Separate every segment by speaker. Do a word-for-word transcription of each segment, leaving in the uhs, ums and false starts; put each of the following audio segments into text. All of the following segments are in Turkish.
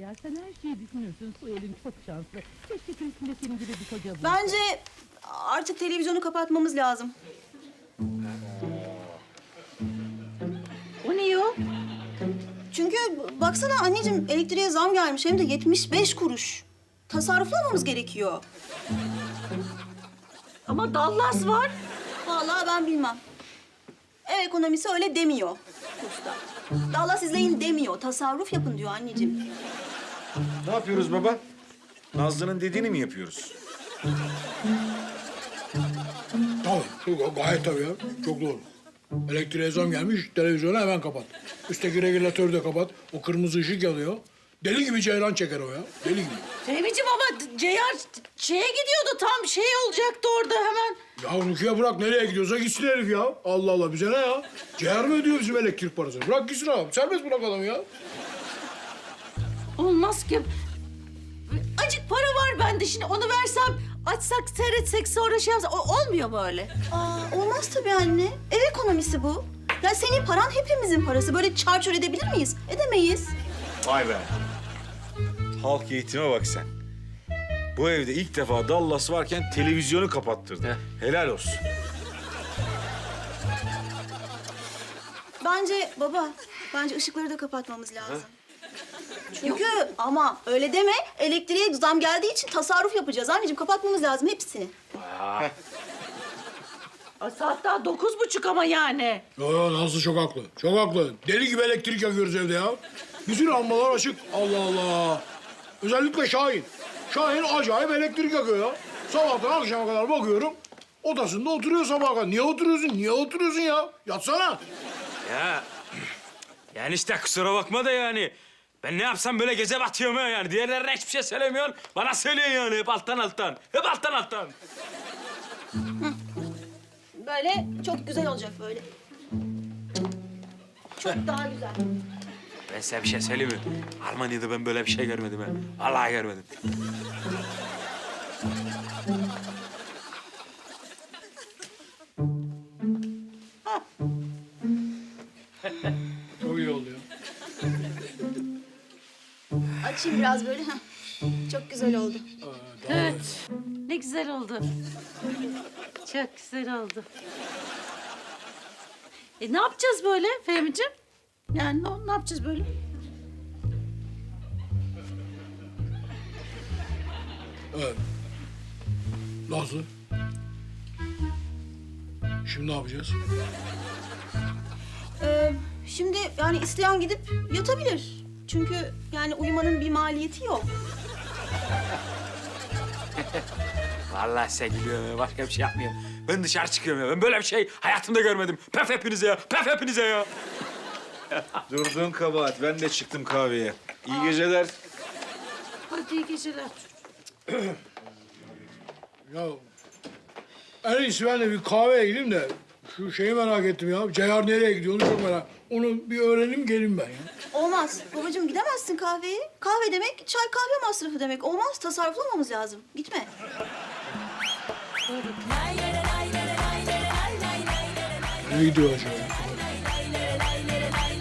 Speaker 1: ya. Sen her şeyi düşünürsün. Su elin çok şanslı. Keşke köşkünde senin gibi bir koca bulsa.
Speaker 2: Bence artık televizyonu kapatmamız lazım.
Speaker 1: O niye o?
Speaker 2: Çünkü baksana anneciğim elektriğe zam gelmiş hem de yetmiş beş kuruş. Tasarruflamamız gerekiyor.
Speaker 1: Ama Dallas var.
Speaker 2: Vallahi ben bilmem. Ev ekonomisi öyle demiyor usta. Dallas izleyin demiyor. Tasarruf yapın diyor anneciğim.
Speaker 3: Ne yapıyoruz baba? Nazlı'nın dediğini mi yapıyoruz?
Speaker 4: Tabii, çok, gayet tabii ya. Çok doğru. Elektriğe zam gelmiş, televizyonu hemen kapat. Üstteki regülatörü de kapat. O kırmızı ışık yanıyor. Deli gibi ceylan çeker o ya. Deli gibi.
Speaker 5: Fehmi'ciğim ama Ceyhan şeye gidiyordu, tam şey olacaktı orada hemen.
Speaker 4: Ya Rukiye bırak, nereye gidiyorsa gitsin herif ya. Allah Allah, bize ne ya? Ceyhan mı ödüyor bizim elektrik parasını? Bırak gitsin abi. Serbest bırak adamı ya.
Speaker 5: Olmaz ki. Acık para var bende, şimdi onu versem, açsak, seyretsek, sonra şey yapsak, o- olmuyor mu öyle?
Speaker 2: Aa, olmaz tabii anne. Ev ekonomisi bu. Ya senin paran hepimizin parası. Böyle çarçur edebilir miyiz? Edemeyiz.
Speaker 3: Vay be. Halk eğitime bak sen. Bu evde ilk defa Dallas varken televizyonu kapattırdı. Helal olsun.
Speaker 2: Bence baba, bence ışıkları da kapatmamız lazım. Çünkü ama öyle deme. Elektriğe zam geldiği için tasarruf yapacağız. Anneciğim kapatmamız lazım hepsini.
Speaker 5: Ay, saat daha dokuz buçuk ama yani.
Speaker 4: Yo yo, Nazlı çok haklı. Çok haklı. Deli gibi elektrik yakıyoruz evde ya. Bütün lambalar açık. Allah Allah. Özellikle Şahin. Şahin acayip elektrik yakıyor ya. Sabahtan akşama kadar bakıyorum. Odasında oturuyor sabaha kadar. Niye oturuyorsun? Niye oturuyorsun ya? Yatsana.
Speaker 6: Ya yani işte kusura bakma da yani. Ben ne yapsam böyle gece batıyorum ya yani. Diğerlerine hiçbir şey söylemiyorsun. Bana söylüyorsun yani hep alttan alttan. Hep alttan alttan.
Speaker 2: Böyle çok güzel olacak böyle. Çok daha güzel.
Speaker 6: Ben size bir şey söyleyeyim mi? Almanya'da ben böyle bir şey görmedim ha. Vallahi görmedim.
Speaker 4: Çok iyi oldu ya.
Speaker 2: Açayım biraz böyle. Heh. Çok güzel oldu.
Speaker 5: Evet. Ne güzel oldu. Çok güzel oldu. E ne yapacağız böyle Fehmi'ciğim? Yani ne, ne yapacağız böyle?
Speaker 4: Evet. Nazlı. Şimdi ne yapacağız?
Speaker 2: Ee, şimdi yani isteyen gidip yatabilir. Çünkü yani uyumanın bir maliyeti yok.
Speaker 6: Vallahi size gülüyorum ya. Başka bir şey yapmıyorum. Ben dışarı çıkıyorum ya. Ben böyle bir şey hayatımda görmedim. Pef hepinize ya. Pef hepinize ya.
Speaker 3: Durduğun kabahat. Ben de çıktım kahveye. İyi geceler.
Speaker 5: Hadi iyi geceler.
Speaker 4: Ya en iyisi ben de bir kahveye gideyim de şu şeyi merak ettim ya. Ceyhan nereye gidiyor onu çok merak. Onu bir öğreneyim gelin ben ya.
Speaker 2: Olmaz. Babacığım gidemezsin kahveye. Kahve demek çay kahve masrafı demek. Olmaz. Tasarruflamamız lazım. Gitme.
Speaker 4: Nereye gidiyor acaba?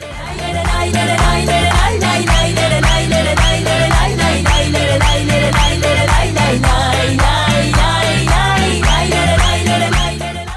Speaker 7: lay lay lay lay lay lay lay lay lay lay lay lay lay lay lay lay